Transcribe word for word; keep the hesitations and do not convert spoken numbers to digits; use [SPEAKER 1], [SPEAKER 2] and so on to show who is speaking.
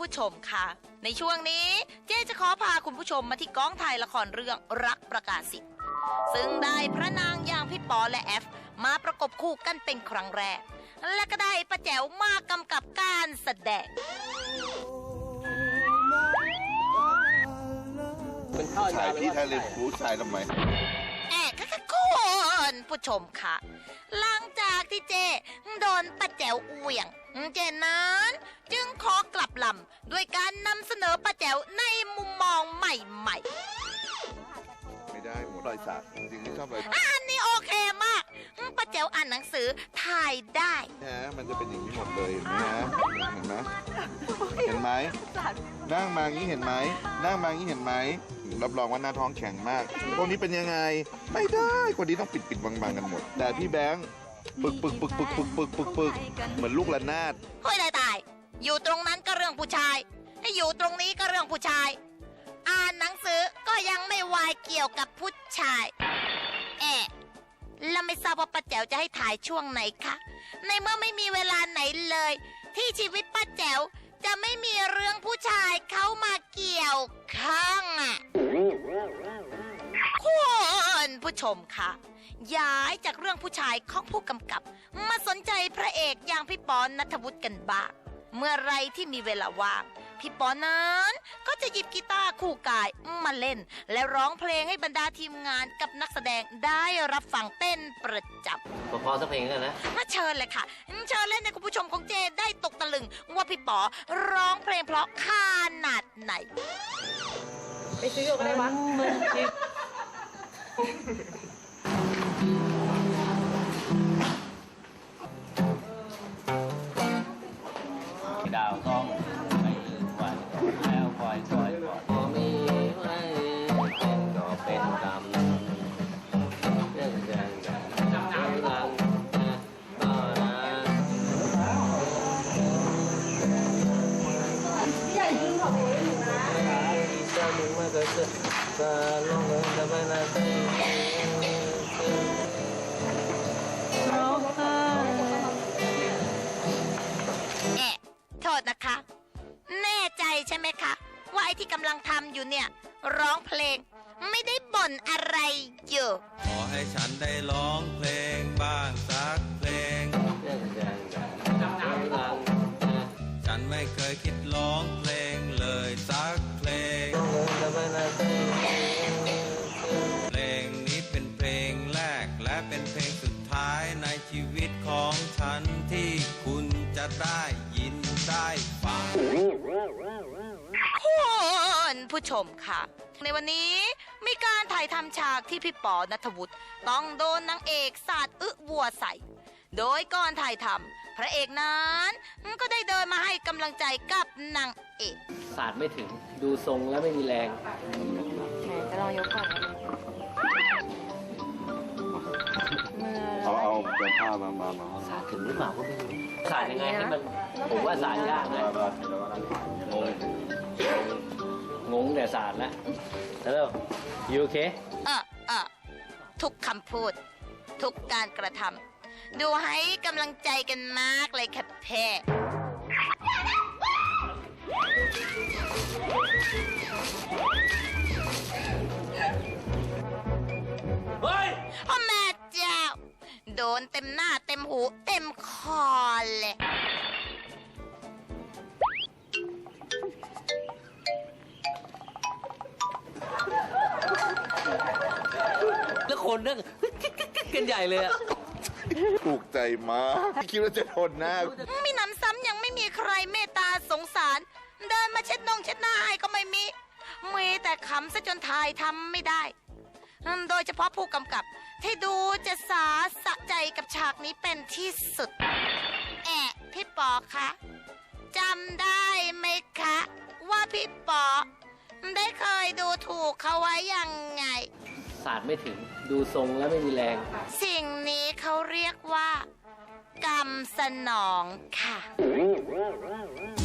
[SPEAKER 1] ผู้ชมค่ะในช่วงนี้เจ๊จะขอพาคุณผู้ชมมาที่กองถ่ายละครเรื่องรักประกาศสิทธิ์ซึ่งได้พระนางอย่างพี่ปอและแอฟมาประกบคู่กันเป็นครั้งแรกและก็ได้ป้าแจ๋วมากำกับการแสดง
[SPEAKER 2] ถ่ายพี่ถ่ายเลยผู้ชายทำไม
[SPEAKER 1] แอบค่ะคุณผู้ชมค่ะหลังจากที่เจโดนป้าแจ๋วเหวี่ยงเจนั้นจึงขอกลับลำด้วยการนำเสนอป้าแจ๋วในมุมมองใหม่
[SPEAKER 2] ๆไม่ได้หมดรอยสักจริงๆไม่ชอบรอยสัก
[SPEAKER 1] อันนี้โอเคมากป้าแจ๋วอ่านหนังสือถ่ายได้
[SPEAKER 2] นะมันจะเป็นอย่างนี้หมดเลยนะเห็นไหมเห็นไหมนั่งมาอย่างนี้เห็นไหมนั่งมาอย่างนี้เห็นไหมรับรองว่าหน้าท้องแข็งมากพวกนี้เป็นยังไงไม่ได้คนนี้ต้องปิดปิดบังๆกันหมดแต่พี่แบงค์ปึกปึกปึกปึกปึกปึกปึกปึกเหมือนลูกระนาด
[SPEAKER 1] เฮ้ยตายตายอยู่ตรงนั้นก็เรื่องผู้ชายให้อยู่ตรงนี้ก็เรื่องผู้ชายอ่านหนังสือก็ยังไม่วายเกี่ยวกับผู้ชายแอะแล้วไม่ทราบว่าป้าแจ๋วจะให้ถ่ายช่วงไหนคะในเมื่อไม่มีเวลาไหนเลยที่ชีวิตป้าแจ๋วจะไม่มีเรื่องผู้ชายเข้ามาเกี่ยวข้องอ่ะคุณผู้ชมค่ะย้ายจากเรื่องผู้ชายของผู้กำกับมาสนใจพระเอกอย่างพี่ปอนณัฐวุฒิกันบ้างเมื่อไรที่มีเวลาว่างพี่ปอนั้นก็จะหยิบกีตาร์คู่กายมาเล่นและร้องเพลงให้บรรดาทีมงานกับนักแสดงได้รับฟังเป็นประจำ
[SPEAKER 3] พอๆสักเพลงกันนะ
[SPEAKER 1] มาเชิญเลยค่ะเชิญเล่นให้คุณผู้ชมของเจได้ตกตะลึงว่าพี่ปอร้องเพลงเพราะขนาดไหน
[SPEAKER 4] ไปซื้ออยู่กันได้ปะ
[SPEAKER 3] ดาวต้องไม่ลืมวันแล้วคอยคอยบอกพอมีไม่เป็นก็เป็นกรรมเรื่องแรงกันจำนำรังก็นะใหญ่จริงของผมอยู่นะที่เจ้ามึงมาเกิดจะลงเงินจะไปนาเต้
[SPEAKER 1] โทษนะคะแน่ใจใช่ไหมคะว่าไอ้ที่กำลังทำอยู่เนี่ยร้องเพลงไม่ได้บ่นอะไรอยู่
[SPEAKER 5] ขอให้ฉันได้ร้องเพลงบ้างสักเพลงฉันไม่เคยคิดร้องเพลงเลยสักเพลงเพลงนี้เป็นเพลงแรกและเป็นเพลงสุดท้ายในชีวิตของฉันที่คุณจะได้ยินได้ฟัง
[SPEAKER 1] คุณผู้ชมค่ะในวันนี้มีการถ่ายทำฉากที่พี่ปอณัฐวุฒิต้องโดนนางเอกสาดอึวัวใส่โดยก่อนถ่ายทำพระเอกนั้นก็ได้เดินมาให้กำลังใจกับนางเอก
[SPEAKER 3] สาดไม่ถึงดูทรงแล้วไม่มีแรง
[SPEAKER 4] ไหนจะลองยกก่อน
[SPEAKER 2] เอาเอาเป็นผ้ามามามา
[SPEAKER 3] สาดถึงหรือเปล่าก็ไม่รู้สาดยังไงให้มันผมว่าสาดยากนะงงงงแต่สาดแล้วแล้วยูโอเค
[SPEAKER 1] เออเออทุกคำพูดทุกการกระทำดูให้กำลังใจกันมากเลยค่ะแพ่เฮ้ยพ่อแม่เจ้าโดนเต็มหน้าเต็มหูเต็มคอเลย
[SPEAKER 3] แล้วคนนั่งกันใหญ่เลยอะ
[SPEAKER 2] ถูกใจมากคิดว่าจะทนหน้า
[SPEAKER 1] มีน้ำซ้ำยังไม่มีใครเมตตาสงสารเดินมาเช็ดนงเช็ดหน้าให้ก็ไม่มีมีแต่ขำซะจนทายทำไม่ได้โดยเฉพาะผู้กำกับที่ดูจะสาสะใจกับฉากนี้เป็นที่สุดแอะพี่ปอคะจำได้ไหมคะว่าพี่ปอได้เคยดูถูกเขาไว้ยังไง
[SPEAKER 3] สาดไม่ถึงดูทรงแล้วไม่มีแรง
[SPEAKER 1] สิ่งนี้เขาเรียกว่ากรรมสนองค่ะ